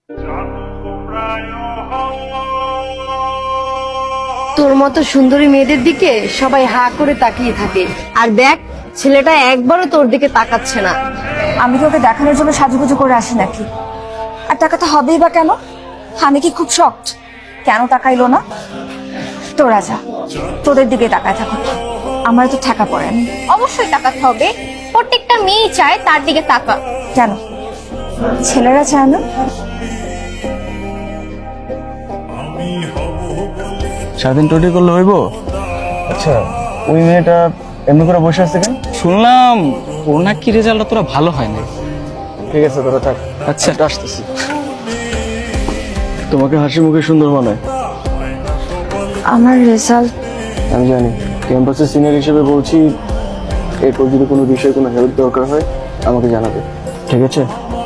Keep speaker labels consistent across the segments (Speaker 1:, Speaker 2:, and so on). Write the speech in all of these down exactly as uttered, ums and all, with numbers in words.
Speaker 1: তোর মতো সুন্দরী মেয়েদের দিকে সবাই হা করে তাকিয়ে থাকে, আর দেখ ছেলেটা একবারও তোর দিকে তাকাচ্ছে না।
Speaker 2: আমি কি ওকে দেখানোর জন্য সাজুগুজু করে আসি নাকি? আর টাকাটা হবেই বা কেন? আমি কি খুব শক্ট? কেন তাকাইলো না? তোরা যা, তোদের দিকে তাকায় থাকো, আমার তো ঠেকা পড়ে। আমি
Speaker 3: অবশ্যই তাকাতে হবে, প্রত্যেকটা মেয়ে চায় তার দিকে তাকা।
Speaker 2: কেন ছেলেরা চায় না?
Speaker 4: সারাদিন টোটি করলে হইব? আচ্ছা, ওই মেয়েটা এমনি করে বসে আছে কেন?
Speaker 5: শুনলাম ওর নাকি রেজাল্টটা তোরা ভালো হয় না।
Speaker 4: ঠিক আছে, তোরা থাক।
Speaker 5: আচ্ছা
Speaker 4: আসতেছি। তোমাকে হাসি মুখে সুন্দর মানায়।
Speaker 2: আমার রেজাল্ট
Speaker 4: আমি জানি, ক্যাম্পাসের সিনিয়র হিসেবে বলছি, এরপর যদি কোনো বিষয়ে কোনো হেল্প দরকার হয় আমাকে জানাবে, ঠিক আছে?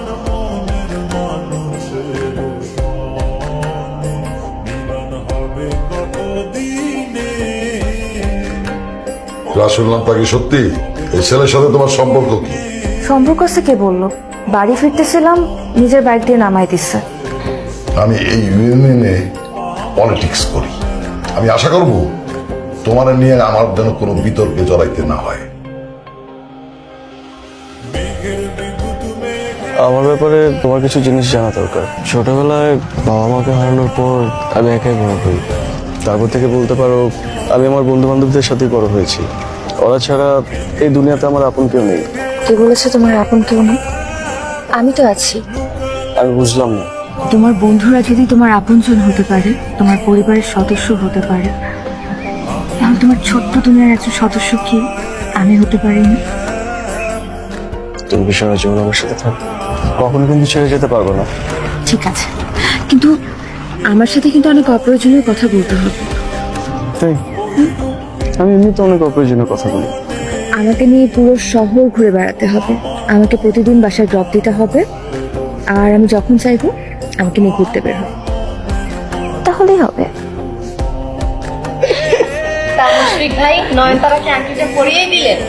Speaker 6: যা শুনলাম তা কি সত্যি? এই ছেলের সাথে তোমার সম্পর্ক কি?
Speaker 2: সম্পর্ক আছে কে বললো? বাড়ি ফিরতেছিলাম, নিজের বাইক দিয়ে নামাই দিচ্ছে।
Speaker 6: আমি এই ইউনিয়নে পলিটিক্স করি, আমি আশা করব তোমার নিয়ে আমার যেন কোনো বিতর্কে জড়াইতে না হয়।
Speaker 4: আমার ব্যাপারে তোমার কিছু জিনিস জানা দরকার। ছোটবেলায় বাবা মাকে হারানোর পর আমি একাই বড় হই। তারপর থেকে বলতে পারো আমি আমার বন্ধু বান্ধবদের সাথে বড় হয়েছি। ওরা ছাড়া এই দুনিয়াতে আমার আপন কেউ নেই।
Speaker 2: কে বলেছে তোমার আপন কেউ নেই? আমি তো আছি।
Speaker 4: আমি বুঝলাম না।
Speaker 2: তোমার বন্ধুরা যদি তোমার আপনজন হতে পারে, তোমার পরিবারের সদস্য হতে পারে, তাহলে তোমার ছোট্ট দুনিয়ার একজন সদস্য কি আমি হতে পারি না?
Speaker 4: তুমি কি সারা জীবন আমার সাথে থাকবে? কখনো কিন্তু ছেড়ে যেতে পারবো না।
Speaker 2: ঠিক আছে, কিন্তু আমার সাথে কিন্তু অনেক অপ্রয়োজনীয় কথা বলতে হবে।
Speaker 4: তাই আমি এমনিতে অনেক অপ্রয়োজনীয় কথা বলি।
Speaker 2: আমাকে নিয়ে পুরো শহর ঘুরে বেড়াতে হবে, আমাকে প্রতিদিন বাসায় ড্রপ দিতে হবে, আর আমি যখন চাইবো আমাকে নিয়ে ঘুরতে বের হবে, তাহলেই হবে।
Speaker 1: মুশফিক ভাই নয়নতারাকে আংটিটা পরিয়ে দিলেন।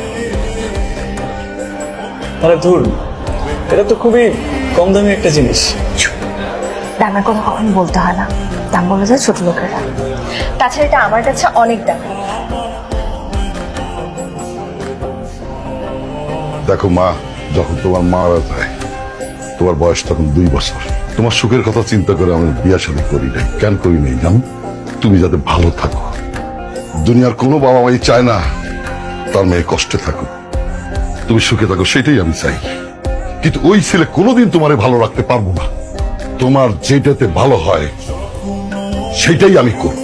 Speaker 4: আরে ধুর, এটা তো খুবই কম দামি একটা জিনিস।
Speaker 2: দামের কথা কখনো বলতে হয় না, দাম বলে যায় ছোট লোকেরা। তাছাড়া এটা আমার কাছে অনেক দাম।
Speaker 6: দেখো মা, যখন তোমার মারা যায় তোমার বয়স তখন দুই বছর। তোমার সুখের কথা চিন্তা করে আমি বিয়ে শাদী করি নাই। কেন করি নাই জানো? তুমি যাতে ভালো থাকো। দুনিয়ার কোনো বাবা মাই চায় না তার মেয়ে কষ্টে থাকো, তুমি সুখে থাকো, সেটাই আমি চাই। কিন্তু ওই ছেলে কোনোদিন তোমারে ভালো রাখতে পারবো না। তোমার যেটাতে ভালো হয় সেটাই আমি করব।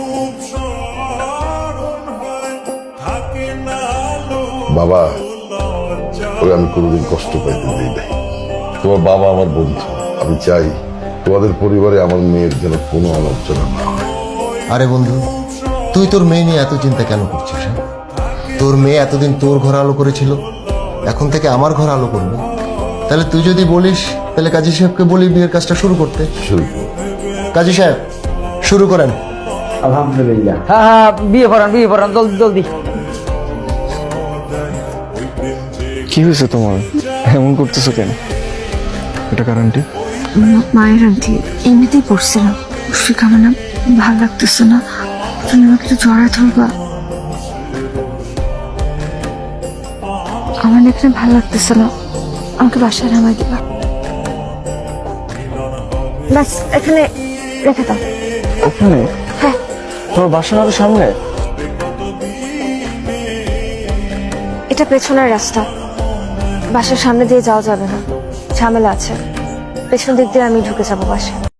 Speaker 6: বাবা, ওই আমি কোনোদিন কষ্ট পাইতে দিই নাই। তোমার বাবা আমার বন্ধু, আমি চাই তোমাদের পরিবারে আমার মেয়ের যেন কোনো আলোচনা না হয়।
Speaker 7: আরে বন্ধু, তুই তোর মেয়ে নিয়ে এত চিন্তা কেন করছিস? হ্যাঁ? তোর মেয়ে এতদিন তোর ঘর আলো করেছিল, এখন থেকে আমার ঘর আলো করবে। তাহলে তুই যদি বলিস, তাহলে কাজী সাহেবকে বলি বিয়ের কাজটা শুরু করতে।
Speaker 6: শুরু করো।
Speaker 7: কাজী সাহেব, শুরু করেন।
Speaker 8: আলহামদুলিল্লাহ। হ্যাঁ হ্যাঁ, বিয়ে পড়ান বিয়ে পড়ান, জলদি জলদি।
Speaker 4: কি হয়েছে তোমার? এমন করতেছো কেন? এটা কারণটি?
Speaker 2: মায়ের আন্টি এমনিতেই পড়ছিলাম, মুশফিক আমার না ভালো লাগতেছে না, তুমি আমাকে একটু জড়ায় ধরবা। আমার না এখানে ভালো লাগতেছে না, আমাকে বাসায় নামাই দিবা। ব্যাস এখানে রেখে দাও।
Speaker 4: ওখানে?
Speaker 2: হ্যাঁ।
Speaker 4: তোমার বাসা না তো সামনে?
Speaker 2: এটা পেছনের রাস্তা, বাসার সামনে দিয়ে যাওয়া যাবে না, ঝামেলা আছে। পেছন দিক দিয়ে আমি ঢুকে যাবো বাসায়।